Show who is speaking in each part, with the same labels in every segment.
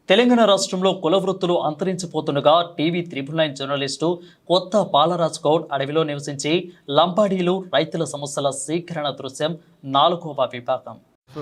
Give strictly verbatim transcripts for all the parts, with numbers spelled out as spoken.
Speaker 1: తెలంగాణ రాష్ట్రంలో కుల వృత్తులు అంతరించిపోతుండగా TV triple nine journalist Kotha Balaraj Goud అడవిలో నివసించి లంబాడీలు రైతుల సమస్యల స్వీకరణ దృశ్యం నాలుగవ విభాగం.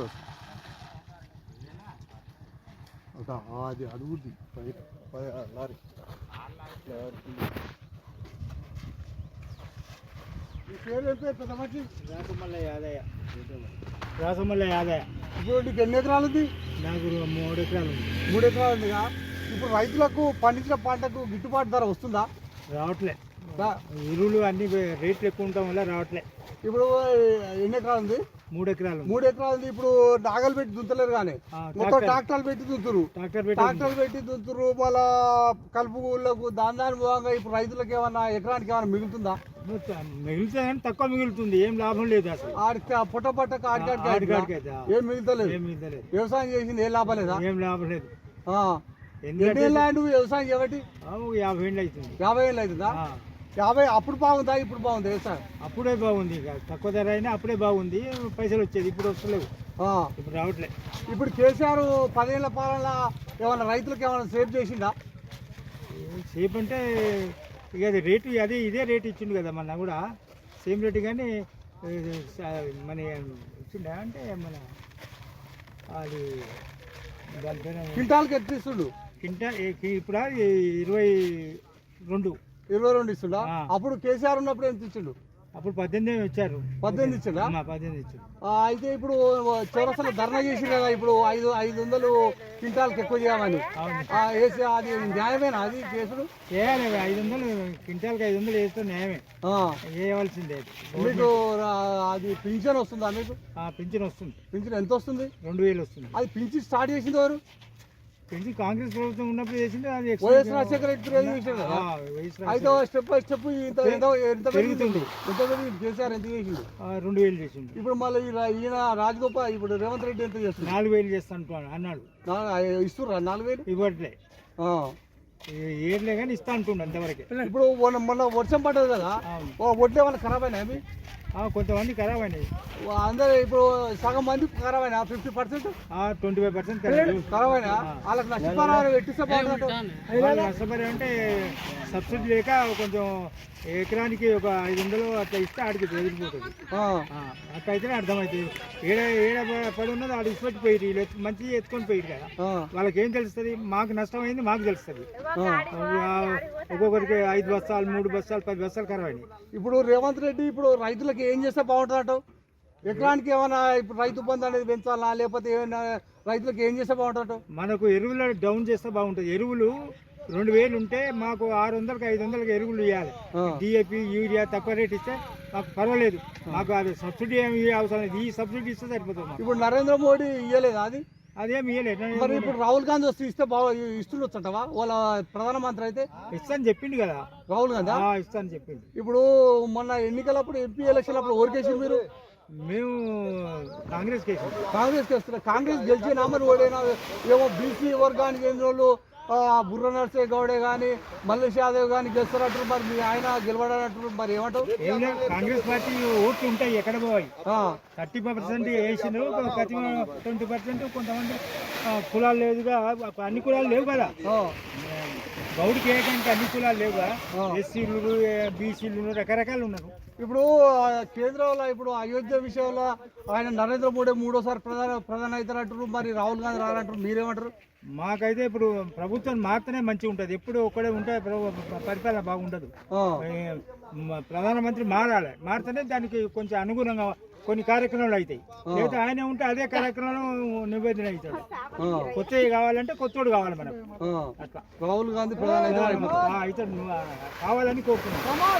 Speaker 2: రాసమల్ల యాదయ్య.
Speaker 3: ఇప్పుడు నీకు ఎన్ని ఎకరాలు ఉంది?
Speaker 2: నాకు మూడు ఎకరాలు ఉంది.
Speaker 3: మూడు ఎకరాలు ఉందిగా. ఇప్పుడు రైతులకు పండించిన పంటకు గిట్టుబాటు ధర వస్తుందా?
Speaker 2: రావట్లే.
Speaker 3: రా-
Speaker 2: ఎరువులు అన్ని రేట్లు ఎక్కువ ఉండటం వల్ల రావట్లే.
Speaker 3: ఇప్పుడు ఎన్ని ఎకరాలు ఉంది?
Speaker 2: మూడు ఎకరాలు ఉంది.
Speaker 3: మూడు ఎకరాలు ఉంది. ఇప్పుడు నాగలు పెట్టి దుంతలేరు కానీ
Speaker 2: ఆ,
Speaker 3: మొత్తం
Speaker 2: ట్రాక్టర్.
Speaker 3: ట్రాక్టర్లు పెట్టి దుంతురు.
Speaker 2: ట్రాక్టర్ పెట్టి
Speaker 3: ట్రాక్టర్లు పెట్టి దుంతురు. మళ్ళా కలుపులకు దాని దాని మూలంగా ఇప్పుడు రైతులకు ఏమన్నా ఎకరానికి ఏమన్నా మిగులుతుందా?
Speaker 2: మిగులుతుంది కానీ తక్కువ మిగులుతుంది. ఏం లాభం లేదు అసలు.
Speaker 3: ఆడికి ఆ పుట్ట పట్టక ఆడికాడికి
Speaker 2: ఆడికాడికి
Speaker 3: అయితే
Speaker 2: అయితే
Speaker 3: ఏం మిగులుతలేదు.
Speaker 2: ఏం మిగులుతలేదు.
Speaker 3: వ్యవసాయం చేసింది ఏం లాభం లేదా?
Speaker 2: ఏం లాభం లేదు.
Speaker 3: ఆ.
Speaker 2: ఎందుకంటే
Speaker 3: ఎన్ని ల్యాండ్ వ్యవసాయం చేయబట్టి
Speaker 2: ఆ, ఒక యాభై ఏళ్ళు అవుతుంది.
Speaker 3: యాభై ఏళ్ళు అవుతుందా?
Speaker 2: ఆ,
Speaker 3: యాభై అప్పుడు బాగుందా ఇప్పుడు బాగుందా వ్యవసాయం?
Speaker 2: అప్పుడే బాగుంది. ఇక తక్కువ ధర అయినా అప్పుడే బాగుంది. పైసలు వచ్చేది. ఇప్పుడు వస్తలేవు.
Speaker 3: ఆ.
Speaker 2: ఇప్పుడు రావట్లే.
Speaker 3: ఇప్పుడు కేసీఆర్ పదేళ్ల పాలన ఏమన్నా రైతులకు ఏమైనా సేవ్ చేసిందా?
Speaker 2: సేపు అంటే ఇక అది రేటు అదే ఇదే రేటు ఇచ్చిండు కదా మొన్న కూడా సేమ్ రేటు. కానీ ఇది స- మన ఇచ్చిండా అంటే మన అది దాని పేరు
Speaker 3: క్వింటాల్కి ఎట్లా ఇస్తుండు?
Speaker 2: కింటా ఇప్పుడు ఇరవై రెండు
Speaker 3: ఇరవై రెండు ఇస్తుండా?
Speaker 2: ఆ.
Speaker 3: అప్పుడు కేసీఆర్ ఉన్నప్పుడు ఎంత ఇచ్చిండు?
Speaker 2: అప్పుడు పద్దెనిమిది ఇచ్చారు.
Speaker 3: పద్దెనిమిది ఇచ్చిండా?
Speaker 2: అమ్మా, పద్దెనిమిది ఇచ్చారు.
Speaker 3: ఆ, అయితే ఇప్పుడు చౌరస్తలో ధర్నా చేసి కదా ఇప్పుడు ఐదు ఐదు వందలు క్వింటాల్కి ఎక్కువ చేయమని.
Speaker 2: అవును.
Speaker 3: ఆ, వేసి అది న్యాయమేనా అది కేసుడు?
Speaker 2: చేయాలి. ఐదు వందలు క్వింటాల్కి ఐదు వందలు వేస్తే న్యాయమే.
Speaker 3: ఆ.
Speaker 2: వేయవలసిందే.
Speaker 3: మీకు రా- అది పింఛన్ వస్తుందా మీకు?
Speaker 2: ఆ, పింఛన్ వస్తుంది.
Speaker 3: పింఛన్ ఎంత వస్తుంది?
Speaker 2: రెండు వేలు వస్తుంది.
Speaker 3: అది పింఛన్ స్టార్ట్ చేసింది ఎవరు?
Speaker 2: పింఛన్ కాంగ్రెస్ ప్రభుత్వం ఉన్నప్పుడు చేసింది. అది extra-
Speaker 3: వైఎస్ రాజశేఖర రెడ్డి రేజ్ చేశాడు కదా.
Speaker 2: ఆ, వైఎస్
Speaker 3: అయితే స్టెప్ బై స్టెప్ ఇంత ఎంత ఎంత పెరుగుతుంది? ఎంత పెరిగింది? కేసీఆర్ ఎంత చేసిండు?
Speaker 2: ఆ, రెండు వేలు చేసిండు.
Speaker 3: ఇప్పుడు మళ్ళీ ఈ రా- ఈయన రాజగోపాల్ ఇప్పుడు రేవంత్ రెడ్డి ఎంత చేస్తుంది?
Speaker 2: నాలుగు వేలు చేస్తాను అన్నాడు.
Speaker 3: ఇస్తుర్రా నాలుగు వేలు?
Speaker 2: ఇవ్వట్లే.
Speaker 3: ఆ.
Speaker 2: ఏర్లే కానీ ఇస్తా అంటుండు అంతవరకే.
Speaker 3: ఇప్పుడు మొన్న మొన్న వర్షం పడ్డది కదా,
Speaker 2: అవును.
Speaker 3: ఓ వడ్లు ఏమైనా ఖరాబ్ అయినా అవి?
Speaker 2: ఆ, కొంతమంది ఖరాబ్ అయినాయి.
Speaker 3: అందరు ఇప్పుడు సగం మంది ఖరాబ్ అయినా fifty percent
Speaker 2: twenty five percent
Speaker 3: ఖరాబ్ అయినా వాళ్ళకి నష్టపరిహారం పెట్టిస్తే బాగుంటుంది.
Speaker 2: నష్టపరి అంటే సబ్సిడీ లేక కొంచెం ఎకరానికి ఒక ఐదు వందలు అట్లా ఇస్తే ఆడికి ఎదిరిపోతుంది.
Speaker 3: ఆ.
Speaker 2: ఆ, అట్లా అయితేనే అర్థమవుతుంది. ఏడ ఏడ పడి ఉన్నది ఆడు ఇసుపెట్టి పోయి మంచిగా ఎత్తుకొని పోయి కదా.
Speaker 3: ఆ.
Speaker 2: వాళ్ళకి ఏం తెలుస్తుంది? మాకు నష్టం అయింది మాకు తెలుస్తుంది.
Speaker 3: ఆ.
Speaker 2: ఒక్కొక్కరికి ఐదు బస్తాలు మూడు బస్తాలు పది బస్తాలు ఖరాబ్ అయినాయి.
Speaker 3: ఇప్పుడు రేవంత్ రెడ్డి ఇప్పుడు రైతులకు ఏం చేస్తే బాగుంటుంది అంటావు? ఎకరానికి ఏమైనా ఇప్పుడు రైతు బంధు అనేది పెంచాలా లేకపోతే ఏమైనా రైతులకు ఏం చేస్తే బాగుంటుంది అంటావు?
Speaker 2: మనకు ఎరువులు డౌన్ చేస్తే బాగుంటుంది. ఎరువులు రెండు వేలు ఉంటే మాకు ఆరు వందలకి ఐదు వందలకి ఎరువులు ఇవ్వాలి.
Speaker 3: ఆ.
Speaker 2: డిఏపి యూరియా తక్కువ రేట్ ఇస్తే మాకు పర్వాలేదు. మాకు అది సబ్సిడీ ఏమి అవసరం లేదు. ఈ సబ్సిడీ ఇస్తే సరిపోతుంది మాకు.
Speaker 3: ఇప్పుడు నరేంద్ర మోడీ ఇయ్యలేదా అది?
Speaker 2: అదేమి ఇవ్వలేదు.
Speaker 3: మరి ఇప్పుడు రాహుల్ గాంధీ వస్తే ఇస్తే బాగా ఇస్తుండొచ్చంటవా వాళ్ళ ప్రధానమంత్రి అయితే?
Speaker 2: ఇస్తాను చెప్పిండు కదా.
Speaker 3: రాహుల్ గాంధీ
Speaker 2: ఆ, ఇస్తాను చెప్పిండు.
Speaker 3: ఇప్పుడు మొన్న ఎన్నికలప్పుడు ఎంపీ ఎలక్షన్ అప్పుడు ఓరికేసి మీరు
Speaker 2: మేము కాంగ్రెస్ కేసు
Speaker 3: కాంగ్రెస్ వస్తున్నారు. కాంగ్రెస్ గెలిచినా మరి ఓడైనా ఏమో బీసీ వర్గానికి చెందిన వాళ్ళు ఆ, బుర్ర నర్సే గౌడే కానీ మల్లేష్ యాదవ్ కానీ గెలుస్తున్నట్టు మరి మీ ఆయన గెలవడనట్టు మరి ఏమంటావు?
Speaker 2: ఏం లేదు. కాంగ్రెస్ పార్టీ ఓట్లు ఉంటాయి ఎక్కడ పోయి.
Speaker 3: ఆ.
Speaker 2: థర్టీ పర్సెంట్ వేసిండ్రు. ప్రతి ట్వంటీ పర్సెంట్ కొంతమంది ఆ, కులాలు లేదుగా. అన్ని కులాలు లేవు కదా.
Speaker 3: ఆ.
Speaker 2: గౌడికి ఏకంటే అన్ని కులాలు లేవుగా.
Speaker 3: ఆ.
Speaker 2: ఎస్సీలు బీసీలు రకరకాలు ఉన్నారు.
Speaker 3: ఇప్పుడు ఆ, కేంద్రంలో ఇప్పుడు అయోధ్య విషయంలో ఆయన నరేంద్ర మోడీ మూడోసారి ప్రధాన ప్రధాని అవుతారంటారు. మరి రాహుల్ గాంధీ రానంటారు. మీరేమంటారు?
Speaker 2: మాకైతే ఇప్పుడు ప్రభుత్వం మాత్రమే మంచిగా ఉంటుంది. ఎప్పుడు ఒక్కడే ఉంటే ప్రభు- పరిపాలన బాగుండదు.
Speaker 3: ఆ.
Speaker 2: ఏ, మ- ప్రధానమంత్రి మారాలి. మారితేనే దానికి కొంచెం అనుగుణంగా కొన్ని కార్యక్రమాలు అవుతాయి. లేదా ఆయన ఉంటే అదే కార్యక్రమం నివేదన అవుతాడు.
Speaker 3: ఆ.
Speaker 2: కొత్తవి కావాలంటే కొత్తోడు కావాలి మనకు.
Speaker 3: ఆ.
Speaker 2: అట్లా
Speaker 3: రాహుల్ గాంధీ ప్రధాని అయితే అయిపోతారు.
Speaker 2: ఆ, అవుతాడు. నువ్వు ఆ, కావాలని కోరుకున్నాను.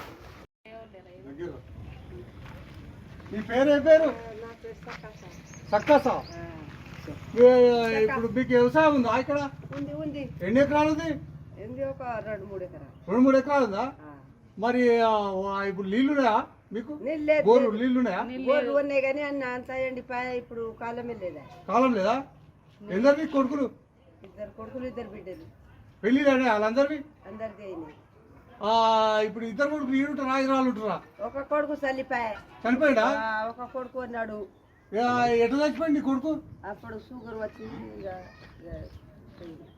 Speaker 3: మీ పేరు ఏ పేరు? సక్కస. ఇప్పుడు మీకు వ్యవసాయం ఉందా ఇక్కడ?
Speaker 4: ఉంది ఉంది
Speaker 3: ఎన్ని ఎకరాలు ఉంది?
Speaker 4: ఏంది ఒక రెండు మూడు ఎకరాలు.
Speaker 3: రెండు మూడు ఎకరాలు ఉందా?
Speaker 4: ఆ.
Speaker 3: మరి ఆ, ఇప్పుడు నీళ్లున్నాయా మీకు?
Speaker 4: నీళ్ళు లేదు,
Speaker 3: బోరు
Speaker 4: లేదు.
Speaker 3: నీళ్లున్నాయా?
Speaker 4: బోర్లు ఉన్నాయి కానీ అన్న అంత ఎండిపోయా. ఇప్పుడు కాలమే లేదా.
Speaker 3: కాలం లేదా? ఎందరివి కొడుకులు?
Speaker 4: ఇద్దరు కొడుకులు ఇద్దరు బిడ్డలు
Speaker 3: పెళ్ళిళ్ళనే వాళ్ళందరివి?
Speaker 4: అందరిది అయినాయి.
Speaker 3: ఆ, ఇప్పుడు ఇద్దరు కొడుకులు ఈడుంటారా హైదరాబాద్ ఉంటారా?
Speaker 4: ఒక కొడుకు చల్లిపాయ.
Speaker 3: చనిపోయిందా?
Speaker 4: ఒక కొడుకు ఉన్నాడు.
Speaker 3: ఎట్లా చచ్చిపోయింది నీ కొడుకు?
Speaker 4: అప్పుడు షుగర్ వచ్చింది. ఇక- ఇక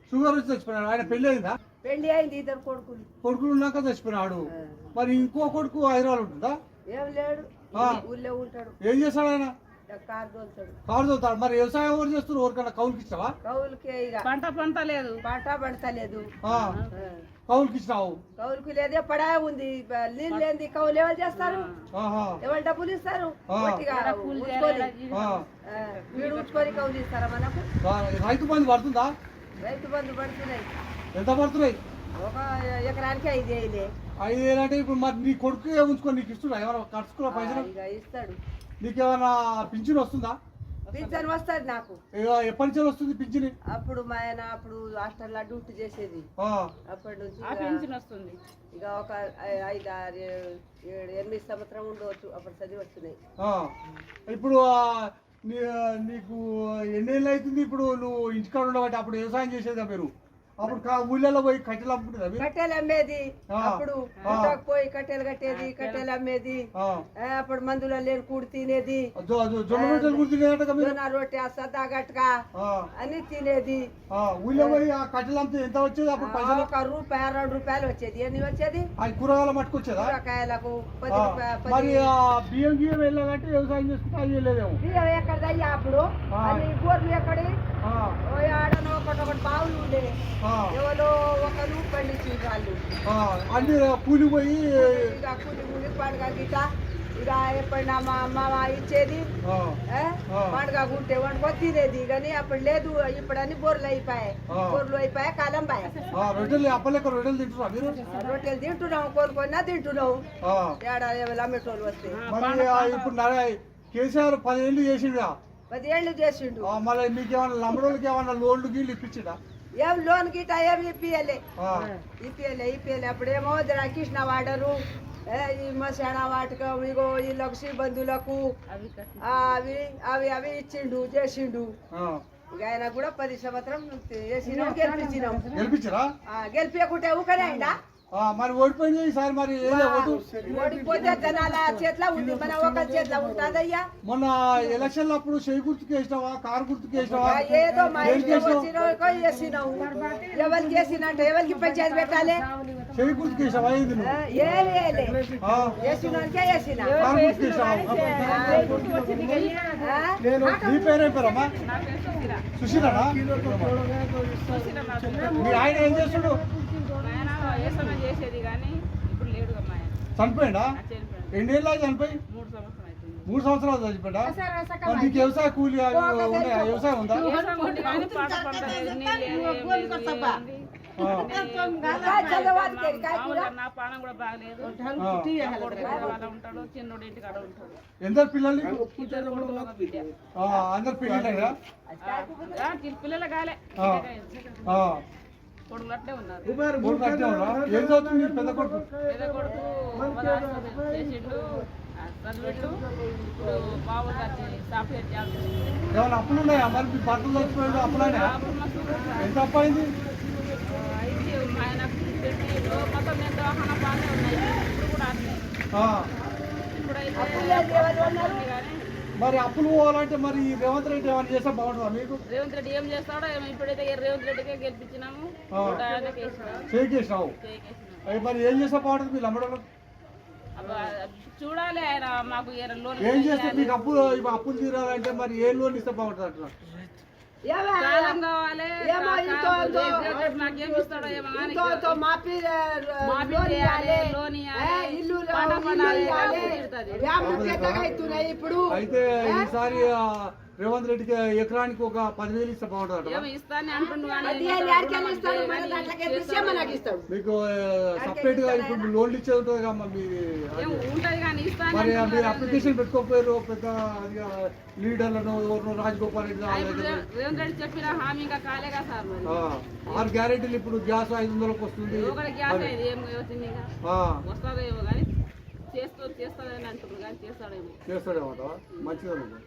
Speaker 3: షుగర్ వచ్చి చచ్చిపోయినాడు. ఆయన పెళ్లి అయిందా?
Speaker 4: పెళ్లి అయింది, ఇద్దరు కొడుకులు.
Speaker 3: కొడుకులు ఉన్నాక చచ్చిపోయినాడు. మరి ఇంకో కొడుకు హైదరాబాద్ ఉంటుందా?
Speaker 4: ఏం లేడు,
Speaker 3: ఆ.
Speaker 4: ఊళ్ళో ఉంటాడు.
Speaker 3: ఏం చేస్తాడు ఆయన?
Speaker 4: కారు తోలుతాడు.
Speaker 3: కారు చదువుతాడు. మరి వ్యవసాయం ఎవరు చేస్తారు? ఎవరికైనా కౌలుకి ఇచ్చావా?
Speaker 4: కౌలుకే ఇక
Speaker 5: పంట పంట లేదు,
Speaker 4: పంట పండతలేదు.
Speaker 3: ఆ, కౌలుకి ఇచ్చినావు.
Speaker 4: కౌలుకు లేదే పడా ఉంది, బ- నీళ్ళు లేని కౌలు ఎవరు చేస్తారు?
Speaker 3: ఆహా.
Speaker 4: ఎవరు డబ్బులు ఇస్తారు?
Speaker 3: ఆ.
Speaker 4: గట్టిగా ఉంచుకొని,
Speaker 3: ఆ.
Speaker 4: ఆ, వీడు ఉంచుకొని కౌలు ఇస్తారా మనకు?
Speaker 3: ఆ, రైతు బంధు పడుతుందా?
Speaker 4: రైతు బంధు పడుతున్నాయి.
Speaker 3: ఎంత పడుతున్నాయి?
Speaker 4: ఒక ఎకరానికి ఐదు వేలే.
Speaker 3: ఐదు వేలు అంటే ఇప్పుడు మరి నీ కొడుకు ఉంచుకొని నీకు ఇస్తున్నా? ఏమైనా ఖర్చుకున్న పైసలు?
Speaker 4: ఇక ఇస్తాడు.
Speaker 3: నీకేమైనా పింఛన్ వస్తుందా?
Speaker 4: పింఛన్ వస్తుంది నాకు.
Speaker 3: ఇక ఎప్పటి నుంచి వస్తుంది పింఛన్?
Speaker 4: అప్పుడు మా ఆయన అప్పుడు హాస్టల్లో డ్యూటీ చేసేది.
Speaker 3: ఆ,
Speaker 4: అప్పటి నుంచి
Speaker 5: ఆ
Speaker 4: ఇక-
Speaker 5: పెన్షన్ వస్తుంది.
Speaker 4: ఇక ఒక ఐ- ఐదు ఆరు ఏడు ఏడు ఎనిమిది సంవత్సరం ఉండవచ్చు అప్పుడు చదివి వస్తున్నాయి.
Speaker 3: ఆ. ఇప్పుడు ఆ, నీ నీకు ఎన్నేళ్ళు అవుతుంది ఇప్పుడు నువ్వు ఇంటికాడ ఉండబట్టి? అప్పుడు వ్యవసాయం చేసేదా మీరు? అప్పుడు కా- ఊళ్ళలో పోయి కట్టెలు అమ్ముకుంటుందా మీరు?
Speaker 4: కట్టెలు అమ్మేది.
Speaker 3: ఆ.
Speaker 4: అప్పుడు గుట్టకు పోయి కట్టెలు కట్టేది, కట్టెలు అమ్మేది.
Speaker 3: ఆ.
Speaker 4: ఆ, అప్పుడు మందులో లేని కూడి తినేది.
Speaker 3: జొ- జొ- జొన్న రొట్టెలు కూడా తినేదట మీరు?
Speaker 4: జొన్న రొట్టె సద్దా గట్క
Speaker 3: ఆ.
Speaker 4: అని తినేది.
Speaker 3: ఆ, ఊళ్ళో పోయి ఆ కట్టెలు అమ్మితే ఎంత వచ్చేది అప్పుడు
Speaker 4: ఆ,
Speaker 3: పైసలు?
Speaker 4: ఒక రూపాయి రెండు రూపాయలు వచ్చేది. ఎన్ని వచ్చేది?
Speaker 3: ఆ కూరగాయల మట్టుకొచ్చేదా?
Speaker 4: కూరగాయలకు పది
Speaker 3: ఆ.
Speaker 4: రూపాయలు
Speaker 3: మరి
Speaker 4: పది.
Speaker 3: ఆ బియ్యం గియ్యం వెళ్ళాలంటే వ్యవసాయం చేసుకుంటే అది వెళ్ళలేదేమో.
Speaker 4: బియ్యం ఎక్కడదయ్యా అప్పుడు?
Speaker 3: ఆ.
Speaker 4: అన్ని గోర్లు ఎక్కడి?
Speaker 3: ఆ,
Speaker 4: ఓ ఆడనో ఒకటి ఒకటి బావులు ఉండే.
Speaker 3: ఆ,
Speaker 4: ఎవరో ఒకరు పండించి వాళ్ళు
Speaker 3: ఆ, అన్ని కూలి పోయి
Speaker 4: ఇక కూలి కూలి పండుగ గీత ఇక ఎప్పుడైనా మా అమ్మ ఇచ్చేది.
Speaker 3: ఆ,
Speaker 4: ఏ?
Speaker 3: ఆ.
Speaker 4: పండుగ గుంటే వండుకొని తినేది. కానీ అప్పుడు లేదు, ఇప్పుడు అన్ని బొర్రెలు అయిపోయాయి.
Speaker 3: ఆ.
Speaker 4: బొర్రెలు అయిపోయాయి, కాలం బాయ్.
Speaker 3: ఆ, రొట్టెలు అప్పలేక రొట్టెలు తింటున్నా మీరు?
Speaker 4: రొట్టెలు తింటున్నాం, కోరుకొన్నా తింటున్నాం.
Speaker 3: ఆ,
Speaker 4: ఏడా ఎవరు అమ్మేటోళ్ళు వస్తే
Speaker 3: మరి ఆ ఇప్పుడు నర- కేసీఆర్ పదేళ్ళు చేసిండా?
Speaker 4: పది ఏళ్ళు చేసిండు.
Speaker 3: ఆ, మరి మీకేమన్నా లంబడోళ్ళకి ఏమన్నా లోన్లు గీళ్ళు ఇప్పించిండా?
Speaker 4: ఏం లోన్ గీట ఏమి ఇప్పియలే
Speaker 3: ఆ,
Speaker 4: ఇప్పియలే ఇప్పియలే అప్పుడేమో కృష్ణ వాడరు, ఏ, ఈ మసాణ వాటకం, ఇగో వీళ్ళకు శ్రీబంధువులకు
Speaker 5: అవి కట్టి
Speaker 4: ఆ, అవి అవి అవి ఇచ్చిండు చేసిండు.
Speaker 3: ఆ.
Speaker 4: ఇక ఆయన కూడా పది సంవత్సరం వేసినాం, గెలిపించినాం.
Speaker 3: గెలిపించరా?
Speaker 4: ఆ, గెలిపించకుంటే ఊకనే అయిందా?
Speaker 3: ఆ, మరి ఓడిపోయింది ఈసారి. మరి ఏదో ఓటు
Speaker 4: ఓడిపోతే జనాల చేతిలో ఉంది, మన ఒకరి చేతిలో ఉంటుందయ్యా.
Speaker 3: మొన్న ఎలక్షన్ అప్పుడు చేయి గుర్తుకు వేసినావా, కారు గుర్తుకు వేసినావా?
Speaker 4: ఆ, ఏదో మా
Speaker 3: దేనికి
Speaker 4: ఇష్టం
Speaker 3: వేసినావు?
Speaker 4: వచ్చిన వేసినాం. ఎవరికి వేసినట్టు ఎవరికి పంచాయతీ పెట్టాలి?
Speaker 3: చేయి గుర్తుకు వేసినావా? ఏంది
Speaker 4: ఆ,
Speaker 3: నువ్వు?
Speaker 4: ఏది వేయలే,
Speaker 3: ఆ,
Speaker 4: వేసినోనికే వేసిన.
Speaker 3: కారు గుర్తుకు వేసినావా?
Speaker 4: ఆ?
Speaker 3: నీ పేరేం పేరమ్మా?
Speaker 5: నా పేరు సుశీల.
Speaker 3: సుశీలనా?
Speaker 5: సుశీల నా పేరు.
Speaker 3: మీ ఆయన ఏం చేస్తుడు?
Speaker 5: మా ఆయన వ్యవసాయం చేసేది కానీ ఇప్పుడు లేడు మా ఆయన.
Speaker 3: చనిపోయిందా?
Speaker 5: ఆ చనిపోయాడు.
Speaker 3: ఎన్నేళ్ళ చనిపోయి?
Speaker 5: మూడు సంవత్సరం అవుతుంది.
Speaker 3: మూడు సంవత్సరాలు చనిపోయిందా? మరి నీకు వ్యవసాయ కూలి అవి ఉన్నాయా? వ్యవసాయం ఉందా?
Speaker 5: వ్యవసాయం ఉంది కానీ పంట పంట లేదు, నీళ్ళు లేదు, ఏం లేదు, ఏం ఉంది.
Speaker 3: ఆ,
Speaker 5: మామూలుగా నా పానం కూడా బాగలేదు.
Speaker 3: ఆ.
Speaker 5: కొడుకు వాళ్ళ ఉంటాడు, చిన్నోడు ఇంటి కాడ ఉంటాడు.
Speaker 3: ఎందరు పిల్లలు నీకు?
Speaker 5: ఇద్దరు కొడుకులు ఒక బిడ్డ.
Speaker 3: ఆ, అందరు పిల్లలేదా?
Speaker 5: ఆ, కి- పిల్లలు కాలే,
Speaker 3: ఆ. ఆ.
Speaker 5: కొడుకులు అట్లే ఉన్నారు.
Speaker 3: కొడుకు అట్టే ఉన్నాడా? ఏం చదువుతుంది నీ పెద్ద కొడుకు?
Speaker 5: పెద్ద కొడుకు మొదలు చేసిండు, ఆ, చదివిండు. ఇప్పుడు మామూలుగా సాఫ్ట్వేర్ జాబ్ చేసిండు.
Speaker 3: ఏమైనా అప్పులు ఉన్నాయా? మరి మీ భర్తలు చచ్చిపోయాడు అప్పులైనా?
Speaker 5: అప్పుడు మస్తు ఉంది.
Speaker 3: ఎంత అప్పు అయింది?
Speaker 5: అయితే ఆయన పెట్టిండు, మొత్తం నేను దవాఖానా బాగానే ఉన్నాయి. ఇప్పుడు కూడా అట్లే.
Speaker 3: ఆ.
Speaker 5: ఇప్పుడైతే ఉంది కానీ
Speaker 3: మరి అప్పులు పోవాలంటే మరి ఈ రేవంత్ రెడ్డి ఏమైనా చేస్తే బాగుంటుందా మీకు?
Speaker 5: రేవంత్ రెడ్డి ఏం చేస్తాడో ఏమో. ఇప్పుడైతే రేవంత్ రెడ్డికే గెలిపించినాము,
Speaker 3: ఆ.
Speaker 5: నూట యాభైకి వేసినాము.
Speaker 3: చేకేసినావు.
Speaker 5: చేకేసినాము.
Speaker 3: అవి మరి ఏం చేస్తే బాగుంటుంది మీ లంబడోళ్ళు?
Speaker 5: అబ్బా, చూడాలి ఆయన మాకు ఏ లోన్
Speaker 3: ఏం చేస్తే మీకు అప్పు ఇప్పుడు అప్పులు తీరాలంటే మరి ఏ లోన్ ఇస్తే బాగుంటుంది అంటున్నా?
Speaker 4: ఏమో
Speaker 5: కాలం కావాలి.
Speaker 4: ఏమో ఇంతో ఇంతో
Speaker 5: నాకేం ఇస్తాడో ఏమో కానీ
Speaker 4: ఇంతో ఇంతో మాపి
Speaker 5: మాఫీ
Speaker 4: లోన్
Speaker 5: చేయాలి,
Speaker 4: ఇవ్వాలి.
Speaker 5: లోన్
Speaker 4: ఏ,
Speaker 5: ఇవ్వాలి,
Speaker 4: ఇల్లు
Speaker 5: పంట
Speaker 4: ఇల్లు
Speaker 5: పండాలి,
Speaker 4: ఇవ్వాలి.
Speaker 5: తిడుతుంది.
Speaker 4: వ్యాపారం పెద్దగా అవుతున్నాయి ఇప్పుడు.
Speaker 3: అయితే ఈసారి ఆ, రేవంత్ రెడ్డికి ఎకరానికి ఒక పదివేలు ఇస్తే బాగుంటుంది అంటారా?
Speaker 5: ఏమో ఇస్తాను అంటుండు కానీ
Speaker 4: అది ఏం యాడికెళ్ళి ఇస్తాడు? మన దాంట్లోకి ఎత్తిస్తే మనకి ఇస్తాడు.
Speaker 3: మీకు సపరేట్ గా ఇప్పుడు లోన్లు ఇచ్చేది ఉంటుంది కదా మీ
Speaker 5: ఏం ఉంటది కానీ ఇస్తాను
Speaker 3: మరి
Speaker 5: అంటున్నాడు
Speaker 3: మీరు
Speaker 5: కానీ
Speaker 3: అప్లికేషన్ పెట్టుకోకపోయారు పెద్ద అది లీడర్లను ఎవరినో రాజగోపాల్ రెడ్డి
Speaker 5: ఆ,
Speaker 3: వాళ్ళ
Speaker 5: ఇప్పుడు
Speaker 3: దగ్గర?
Speaker 5: రేవంత్ రెడ్డి చెప్పిన హామీ ఇంకా కాలేగా సార్ మరి.
Speaker 3: ఆ, ఆరు గ్యారెంటీలు ఇప్పుడు గ్యాస్ ఐదు వందలకు వస్తుంది.
Speaker 5: ఒకటి గ్యాస్ అయ్యేది ఏం వచ్చింది ఇంకా
Speaker 3: ఆ,
Speaker 5: వస్తుందేమో కానీ చేస్తూ చేస్తాడని అంటున్నారు కానీ చేస్తాడేమో.
Speaker 3: చేస్తాడేమో మంచిదమ్మా.